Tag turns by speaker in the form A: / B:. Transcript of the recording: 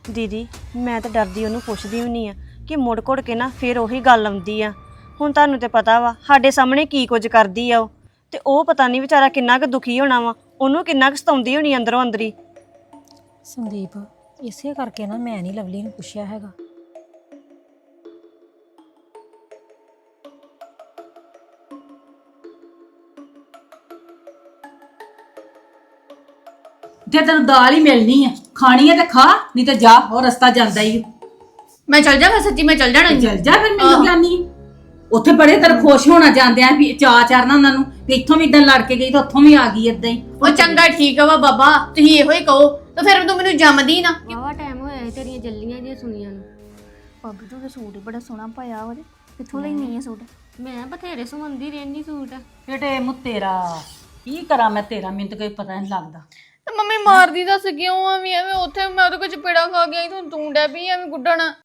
A: ਦੀਦੀ ਮੈਂ ਤਾਂ ਡਰਦੀ ਉਹਨੂੰ ਪੁੱਛਦੀ ਵੀ ਨਹੀਂ ਆ ਕਿ ਮੁੜ ਘੁੜ ਕੇ ਨਾ ਫਿਰ ਉਹੀ ਗੱਲ ਆਉਂਦੀ ਆ। ਹੁਣ ਤੁਹਾਨੂੰ ਤੇ ਪਤਾ ਵਾ ਸਾਡੇ ਸਾਹਮਣੇ ਕੀ ਕੁਝ ਕਰਦੀ ਆ ਉਹ, ਤੇ ਉਹ ਪਤਾ ਨਹੀਂ ਵਿਚਾਰਾ ਕਿੰਨਾ ਕੁ ਦੁਖੀ ਹੋਣਾ ਵਾ, ਉਹਨੂੰ ਕਿੰਨਾ ਕੁ ਸਤਾਉਂਦੀ ਹੋਣੀ ਅੰਦਰੋਂ ਅੰਦਰੀ।
B: ਸੰਦੀਪ ਇਸੇ ਕਰਕੇ ਨਾ ਮੈਂ ਨਹੀਂ ਲਵਲੀ ਨੂੰ ਪੁੱਛਿਆ ਹੈਗਾ।
C: ਜੇ ਤੈਨੂੰ ਦਾਲ ਹੀ ਮਿਲਣੀ ਆ, ਖਾਣੀ ਆ ਤੇ ਖਾ, ਨਹੀਂ ਤੇ ਜਾ, ਉਹ ਰਸਤਾ ਜਾਂਦਾ ਹੀ।
D: ਮੈਂ ਚੱਲ ਜਾਵਾਂ, ਸੱਚੀ ਮੈਂ ਚੱਲ ਜਾਣਾ।
C: ਚੱਲ ਜਾ ਫਿਰ, ਮੈਨੂੰ ਗਿਆਨੀ ਉੱਥੇ ਬੜੇ ਤਰ ਖੁਸ਼ ਹੋਣਾ ਜਾਂਦੇ ਆ ਵੀ ਚਾਅ ਚੜਨਾ ਉਹਨਾਂ ਨੂੰ ਵੀ ਇੱਥੋਂ ਵੀ ਇਦਾਂ ਲੜ ਕੇ ਗਈ ਤਾਂ ਉੱਥੋਂ ਵੀ ਆ ਗਈ ਇਦਾਂ ਹੀ।
D: ਉਹ ਚੰਗਾ ਠੀਕ ਵਾ ਬਾਬਾ, ਤੁਸੀਂ ਇਹੋ ਹੀ ਕਹੋ ਤਾਂ ਫਿਰ ਤੂੰ ਮੈਨੂੰ ਜੰਮਦੀ ਨਾ।
E: ਵਾਵਾ ਟਾਈਮ ਹੋਇਆ ਹੈ ਤੇਰੀਆਂ ਜੱਲੀਆਂ ਜਿਹੀਆਂ ਸੁਣੀਆਂ ਨੂੰ।
F: ਭਾਬੀ ਤੂੰ ਤਾਂ ਸੂਟ ਹੀ ਬੜਾ ਸੋਹਣਾ ਪਾਇਆ ਉਹਦੇ, ਕਿੱਥੋਂ ਲੈਣੀ ਹੈ ਸੂਟ?
E: ਮੈਂ ਬਥੇਰੇ ਸਵੰਦੀ ਰਹਿੰਦੀ ਸੂਟ।
C: ਬੇਟੇ ਮੂੰ ਤੇਰਾ ਕੀ ਕਰਾਂ ਮੈਂ, ਤੇਰਾ ਮੈਨੂੰ ਤਾਂ ਕੋਈ ਪਤਾ ਨਹੀਂ ਲੱਗਦਾ।
D: ਤੇ ਮੰਮੀ ਮਾਰਦੀ ਦੱਸ ਕਿਉਂ ਆ ਵੀ ਐਵੇਂ? ਉੱਥੇ ਮੈਂ ਉਹਦੇ ਕੋਲ ਚਪੇੜਾ ਖਾ ਗਿਆ ਤੂੰ ਡੈ ਪਈ ਐਵੇਂ ਗੁੱਡਣ।